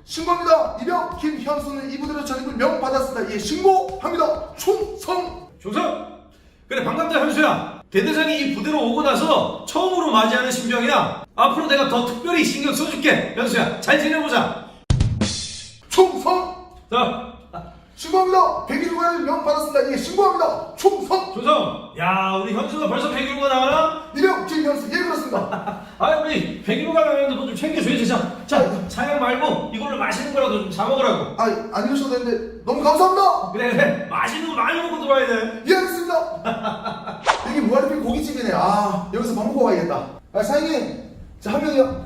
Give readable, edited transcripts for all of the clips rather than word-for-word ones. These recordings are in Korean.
신고합니다. 이병 김현수는 이부대로 전입을 명받았습니다. 예, 신고합니다. 충성. 그래, 반갑다 현수야. 대대장이 이 부대로 오고 나서 처음으로 맞이하는 신병이야. 앞으로 내가 더 특별히 신경 써줄게. 현수야, 잘 지내보자. 충성. 자, 신고합니다. 101관 명받았습니다. 예, 신고합니다. 충성. 조성. 야, 우리 현수가 벌써 101호가 나가나? 이병 김현수. 예, 그렇습니다. 아, 우리 101호가 나가는데 뭐 좀 챙겨줘야지. 자, 차양 말고 이걸로 맛있는 거라도 좀 사 먹으라고. 안 이러셔도 되는데 너무 감사합니다. 그래, 맛있는 거 많이 먹고 들어와야 돼. 예, 알겠습니다. 여기 무한리필 고깃집이네. 여기서 밥 먹고 가야겠다. 사장님, 저 한 명이요.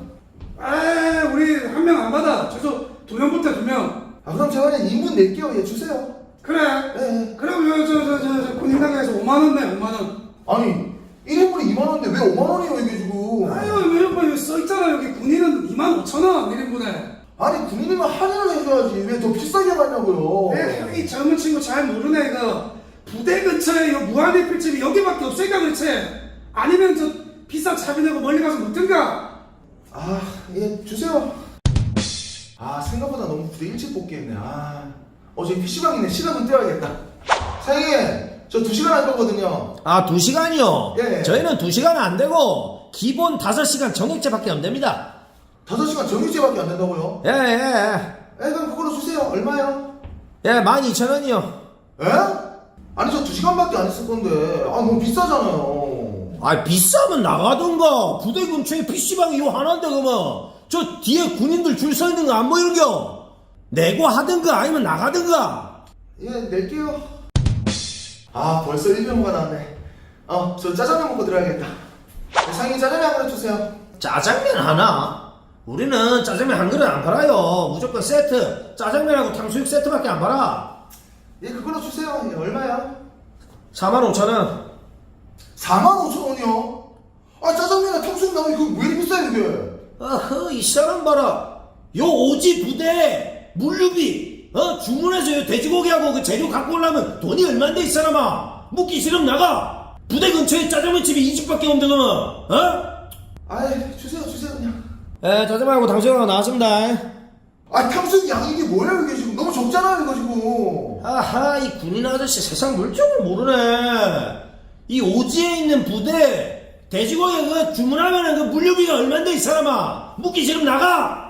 우리 한 명 안 받아. 최소 2명부터 2명. 그럼 제가 그냥 인분 낼게요. 예, 주세요. 그래. 예. 그럼 저 군인당에서 5만원 내, 5만원. 아니, 1인분이 2만원인데 왜 5만원이에요, 이게 지금? 왜 여기 써있잖아. 여기 군인은 25,000원, 1인분에. 아니, 군인이면 할인을 해줘야지. 왜 더 비싸게 하냐고요? 여기 젊은 친구 잘 모르네, 이거. 부대 근처에 이 무한리필집이 여기밖에 없으니까 그렇지. 아니면 저 비싼 차비 내고 멀리 가서 먹든가. 예, 주세요. 생각보다 너무 부대 일찍 복귀했네. 저기 PC방 있네. 시간 좀 떼어야겠다. 사장님, 저 2시간 할 거거든요. 2시간이요? 예. 저희는 2시간 안 되고 기본 5시간 정액제밖에 안 됩니다. 5시간 정규제밖에 안 된다고요? 예. 그럼 그걸로 주세요. 얼마요? 12,000원이요. 예? 아니, 저 2시간밖에 안 했을 건데. 너무 비싸잖아요. 비싸면 나가던가. 부대 근처에 PC방이 요 하나인데 그러면 저 뒤에 군인들 줄 서 있는 거 안 보이는겨? 내고 하든가 아니면 나가든가. 예, 낼게요. 벌써 1병가 나왔네. 저 짜장면 먹고 들어야겠다. 사장님, 짜장면 한 그릇 주세요. 짜장면 하나? 우리는 짜장면 한 그릇 안 팔아요. 무조건 세트. 짜장면하고 탕수육 세트밖에 안 팔아. 예, 그걸로 주세요. 예, 얼마야? 45,000원. 45,000원이요? 짜장면이나 탕수육 나오니 그거 왜 이렇게 비싸요, 이게? 이 사람 봐라. 요 오지 부대 물류비 주문해서 요 돼지고기하고 그 재료 갖고 오려면 돈이 얼만데 이 사람아. 묵기 싫으면 나가. 부대 근처에 짜장면집이 이 집밖에 없는데 그러면 주세요 그냥. 짜장면하고 탕수육하고 나왔습니다. 탕수육 양이 이게 뭐예요, 이게 지금? 너무 적잖아요, 이거 지금. 이 군인 아저씨 세상 물정을 모르네. 이 오지에 있는 부대 돼지고기 그 주문하면은 그 물류비가 얼만데 이 사람아. 묵기 싫으면 나가.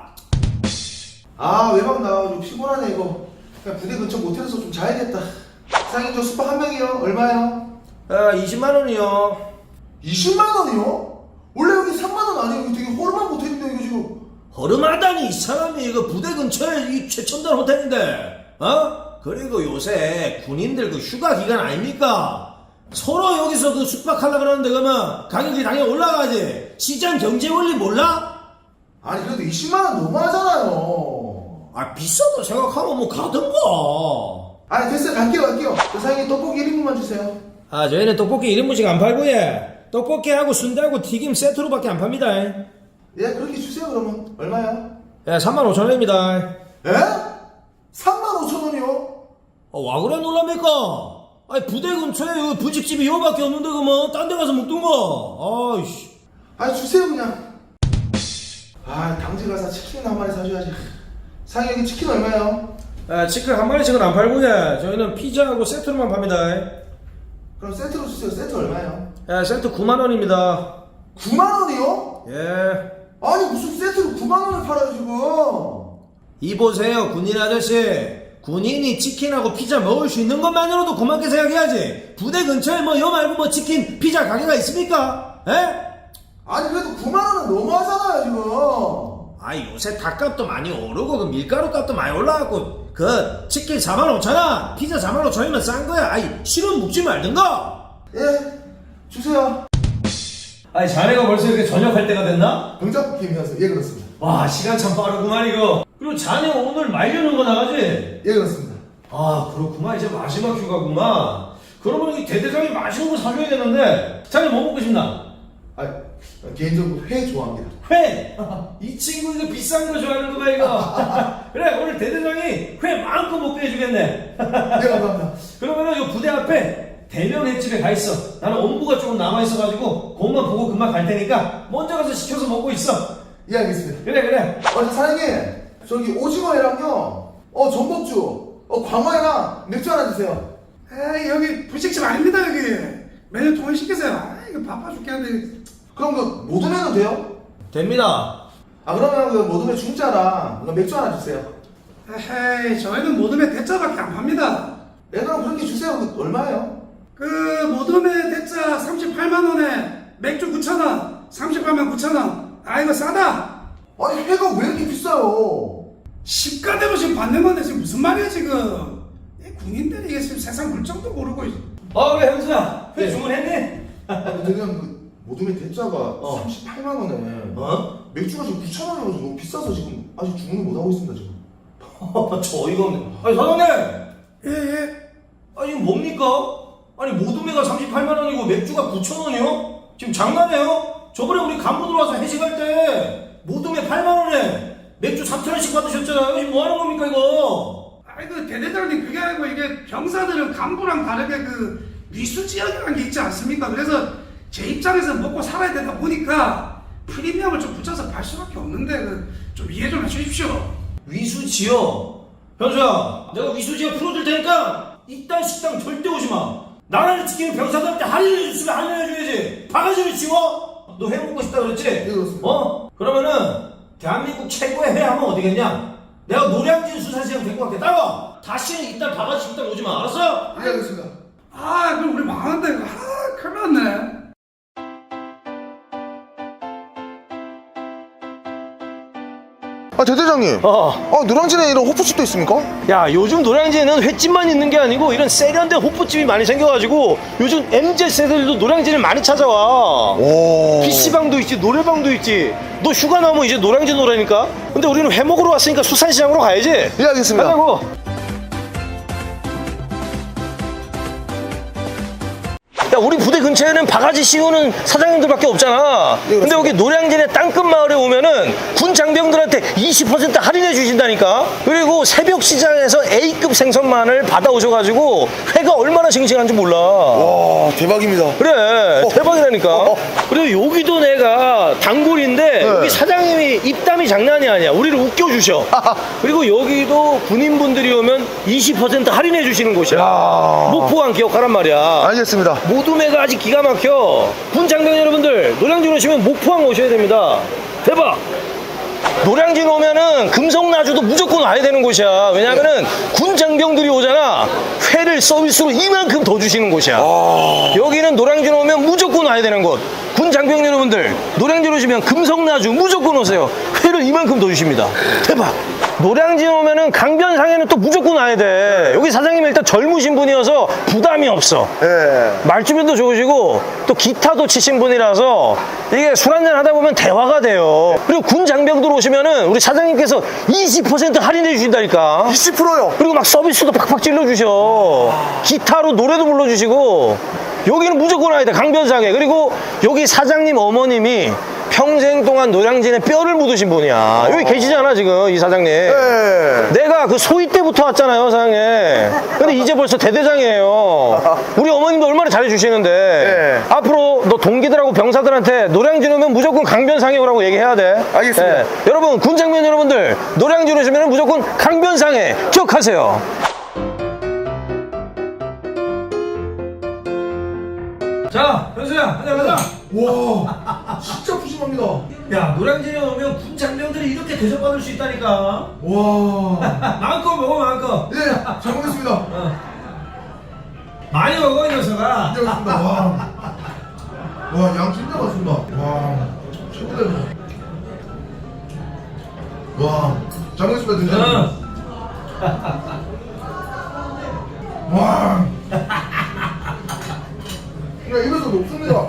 외박 나와가지고 피곤하네, 이거. 그냥 부대 근처 모텔에서 좀 자야겠다. 사장님, 저 숙박 한 명이요. 얼마요? 20만원이요. 20만원이요? 원래 여기 3만원 아니에요? 이거 되게 허름한 모텔인데, 이거 지금. 허름하다니 이 사람이 이거 부대 근처에 이 최첨단 호텔인데 그리고 요새 군인들 그 휴가 기간 아닙니까? 서로 여기서 그 숙박하려고 그러는데 그러면 가격이 당연히 올라가지. 시장 경제 원리 몰라? 그래도 20만원 너무하잖아요. 비싸다 생각하면 뭐 가던가. 됐어요. 갈게요. 저 사장님, 떡볶이 1인분만 주세요. 저희는 떡볶이 1인분씩 안 팔고 떡볶이하고 순대하고 튀김 세트로밖에 안 팝니다. 예, 그렇게 주세요, 그러면. 얼마요? 35,000원입니다. 예? 35,000원이요? 와 그래 놀랍니까? 부대 근처에 요 부집집이 요밖에 없는데 그러면 딴 데 가서 먹던가. 주세요, 그냥. 당직 가서 치킨 한 마리 사줘야지. 사장님, 여기 치킨 얼마요? 치킨 한 마리씩은 안 팔고 저희는 피자하고 세트로만 팝니다. 그럼 세트로 주세요. 세트 얼마요? 세트 9만원입니다. 9만원이요? 예. 무슨 세트로 9만원을 팔아요, 지금? 이보세요 군인 아저씨. 군인이 치킨하고 피자 먹을 수 있는 것만으로도 고맙게 생각해야지. 부대 근처에 요 말고 치킨 피자 가게가 있습니까? 그래도 9만원은 너무하잖아요, 지금. 요새 닭값도 많이 오르고 그 밀가루 값도 많이 올라갔고 그 치킨 45,000원 피자 45,000원이면 싼 거야. 실은 묵지 말든가. 예, 주세요. 자네가 벌써 이렇게 전역할 때가 됐나? 병장 김현수. 예, 그렇습니다. 와, 시간 참 빠르구만 이거. 그리고 자네 오늘 말려는 거 나가지? 예, 그렇습니다. 그렇구만. 이제 마지막 휴가구만. 그러면 이 대대장이 맛있는 거 사줘야겠는데. 자네 뭐 먹고 싶나? 개인적으로 회 좋아합니다. 회! 이 친구 이거 비싼 거 좋아하는 거봐 이거. 그래, 오늘 대대장이 회 마음껏 먹게 해주겠네. 네, 감사합니다. 그러면은 이 부대 앞에 대면 횟집에 가 있어. 나는 온부가 조금 남아있어가지고 그것만 보고 금방 갈 테니까 먼저 가서 시켜서 먹고 있어. 예, 알겠습니다. 그래. 사장님, 저기 오징어회랑요. 전복주. 광어회랑 맥주 하나 주세요. 에이 여기 분식집 아닙니다 여기. 메뉴 통일시키세요. 아 이거 바빠 죽겠는데. 그럼 그 모둠회는 돼요? 됩니다. 그러면 그 모둠회 중짜랑 맥주 하나 주세요. 에헤이 저희는 모둠회 대짜밖에 안 팝니다. 그럼 그렇게 주세요. 그 얼마예요? 그 모둠회 대짜 38만원에 맥주 9,000원 38만 9,000원. 아 이거 싸다. 아니 회가 왜 이렇게 비싸요? 시가대로 지금 받는 건데 지금 무슨 말이야 지금. 이 군인들이 이게 지금 세상 물정도 모르고. 그래 현수야. 회 주문했니? 그냥 그 모둠회 대짜가 38만 원에 맥주가 지금 9,000원이라서 너무 비싸서 지금 아직 주문을 못 하고 있습니다 지금. 저 어이가 없네. 아니 사장님. 예예. 아니 이거 뭡니까? 아니 모둠회가 38만 원이고 맥주가 9,000원이요? 지금 장난해요? 저번에 우리 간부 들어와서 회식할 때 모둠회 8만 원에 맥주 3,000원씩 받으셨잖아요. 지금 뭐 하는 겁니까 이거? 아이고 대대장님 그게 아니고 이게 병사들은 간부랑 다르게 그 위수지역이라는 게 있지 않습니까? 그래서 제 입장에서 먹고 살아야 되다 보니까 프리미엄을 좀 붙여서 팔 수밖에 없는데 좀 이해 좀 해주십시오. 위수지역. 현수야, 내가 위수지역 풀어줄 테니까 이딴 식당 절대 오지 마. 나라를 지키는 병사들한테 할인을 해줬으면 할인해줘야지. 바가지를 치워? 너 회 먹고 싶다 그랬지? 네, 그렇습니다. 그러면은 대한민국 최고의 회 하면 어디겠냐? 내가 노량진 수산시장 데리고 갈게. 따라와. 다시는 이딴 바가지 식당 오지 마. 알았어? 네 알겠습니다. 아 그럼 우리 망한다 이거. 아 큰일 났네. 대대장님. 노량진에 이런 호프집도 있습니까? 야 요즘 노량진에는 횟집만 있는 게 아니고 이런 세련된 호프집이 많이 생겨가지고 요즘 MZ세대들도 노량진을 많이 찾아와. 오. PC방도 있지 노래방도 있지. 너 휴가 나오면 이제 노량진 오라니까. 근데 우리는 회 먹으러 왔으니까 수산시장으로 가야지. 예 알겠습니다. 가자고. 야 우리 부대 근처에는 바가지 씌우는 사장님들밖에 없잖아. 근데 여기 노량진의 땅끝 마을에 오면은 군 장병들한테 20% 할인해 주신다니까. 그리고 새벽 시장에서 A급 생선만을 받아오셔가지고 회가 얼마나 싱싱한지 몰라. 와 대박입니다. 그래 대박이라니까. 그리고 여기도 내가 단골인데 여기 사장님이 입담이 장난이 아니야. 우리를 웃겨주셔. 그리고 여기도 군인분들이 오면 20% 할인해 주시는 곳이야. 목포항 기억하란 말이야. 알겠습니다. 모둠회가 아직 기가 막혀. 군 장병 여러분들 노량진 오시면 목포항 오셔야 됩니다. 대박. 노량진 오면은 금성나주도 무조건 와야 되는 곳이야. 왜냐면은 군 장병들이 오잖아. 회를 서비스로 이만큼 더 주시는 곳이야. 여기는 노량진 오면 무조건 와야 되는 곳. 군 장병 여러분들 노량진 오시면 금성나주 무조건 오세요. 회를 이만큼 더 주십니다. 대박. 노량진 오면은 강변상에는 또 무조건 와야 돼. 여기 사장님이 일단 젊으신 분이어서 부담이 없어. 말주변도 좋으시고 또 기타도 치신 분이라서 이게 술 한잔 하다 보면 대화가 돼요. 그리고 군 장병들 오시면은 우리 사장님께서 20% 할인해 주신다니까. 20%요? 그리고 막 서비스도 팍팍 찔러주셔. 기타로 노래도 불러주시고. 여기는 무조건 와야 돼. 강변상에. 그리고 여기 사장님 어머님이 평생 동안 노량진에 뼈를 묻으신 분이야. 여기 계시잖아 지금 이 사장님. 내가 그 소위 때부터 왔잖아요 사장님. 근데 이제 벌써 대대장이에요. 우리 어머님도 얼마나 잘해주시는데 앞으로 너 동기들하고 병사들한테 노량진 오면 무조건 강변상에 오라고 얘기해야 돼. 알겠습니다. 여러분 군장병 여러분들 노량진 오시면 무조건 강변상에 기억하세요. 자, 현수야, 한잔 하자. 와 진짜 푸짐합니다. 야, 노량진에 오면 군 장병들이 이렇게 대접받을 수 있다니까. 와. 마음껏 먹어, 마음껏. 네, 잘 먹겠습니다. 많이 먹어, 이 녀석아. 네, 알겠습니다. 와, 양 진짜 맛있습니다. 와, 최고다. 와, 잘 먹겠습니다, 대장님. 와. 그냥 입에서 녹습니다.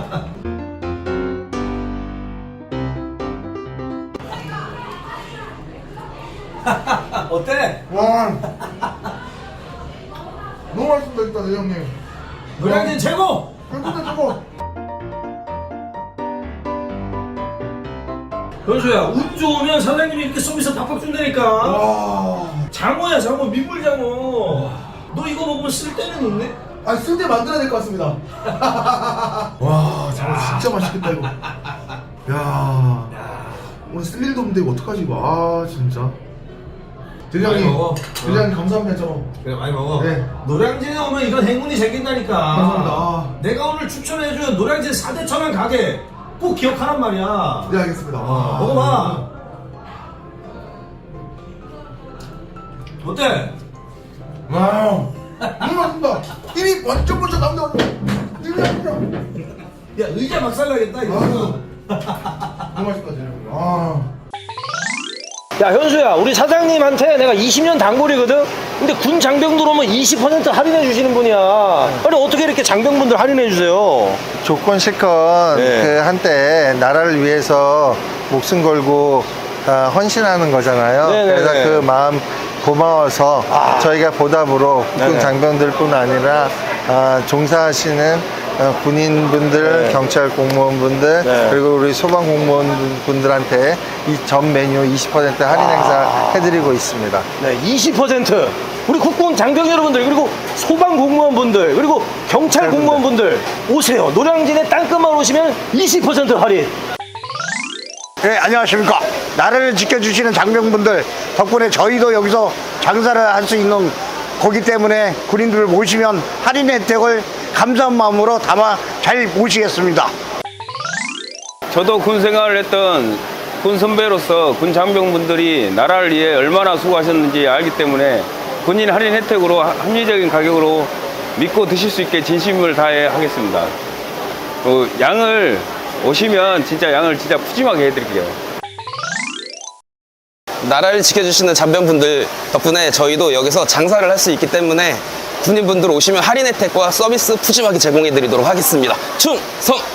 어때? 와. 너무 맛있습니다, 일단, 대장님. 노량진 최고! 진짜 최고. 현수야, 운 좋으면 사장님이 이렇게 서비스 팍팍 준다니까. 와. 장어야, 장어, 민물장어. 너 이거 먹으면 쓸 데는 없네? 아, 쓸 때 만들어야 될 것 같습니다. 와, 저거 진짜 맛있겠다, 이거. 야. 오늘 쓸 일도 없는데 이거 어떡하지 이거. 아 진짜. 대장님, 많이 먹어. 대장님 감사합니다 저. 그래 많이 먹어. 네. 노량진에 오면 이런 행운이 생긴다니까. 감사합니다. 아. 내가 오늘 추천해준 노량진 4대 천안 가게 꼭 기억하란 말이야. 네 알겠습니다. 아, 먹어봐. 어때? 와우. 맛있다. 입이 번쩍번쩍 나온다. 입이 맛있다. 야 의자 막살나겠다 이거. 너무 맛있다 대장님. 아. 야 현수야 우리 사장님한테 내가 20년 단골이거든. 근데 군 장병 들어오면 20% 할인해 주시는 분이야. 아니 어떻게 이렇게 장병분들 할인해 주세요? 조건 실컷 네. 그 한때 나라를 위해서 목숨 걸고 헌신하는 거잖아요. 네네네. 그래서 그 마음 고마워서 저희가 보답으로 국군 네네. 장병들뿐 아니라 종사하시는 군인분들, 네. 경찰 공무원분들, 네. 그리고 우리 소방 공무원분들한테 이 전 메뉴 20% 할인 행사 해드리고 있습니다. 네, 20% 우리 국군 장병 여러분들 그리고 소방 공무원분들 그리고 경찰 공무원분들 오세요. 노량진에 땅끝만 오시면 20% 할인. 네, 안녕하십니까. 나라를 지켜주시는 장병분들 덕분에 저희도 여기서 장사를 할 수 있는 거기 때문에 군인들을 모시면 할인 혜택을 감사한 마음으로 담아 잘 모시겠습니다. 저도 군 생활을 했던 군 선배로서 군 장병분들이 나라를 위해 얼마나 수고하셨는지 알기 때문에 군인 할인 혜택으로 합리적인 가격으로 믿고 드실 수 있게 진심을 다해 하겠습니다. 양을 오시면 진짜 양을 진짜 푸짐하게 해드릴게요. 나라를 지켜주시는 장병분들 덕분에 저희도 여기서 장사를 할 수 있기 때문에 군인분들 오시면 할인 혜택과 서비스 푸짐하게 제공해 드리도록 하겠습니다. 충성!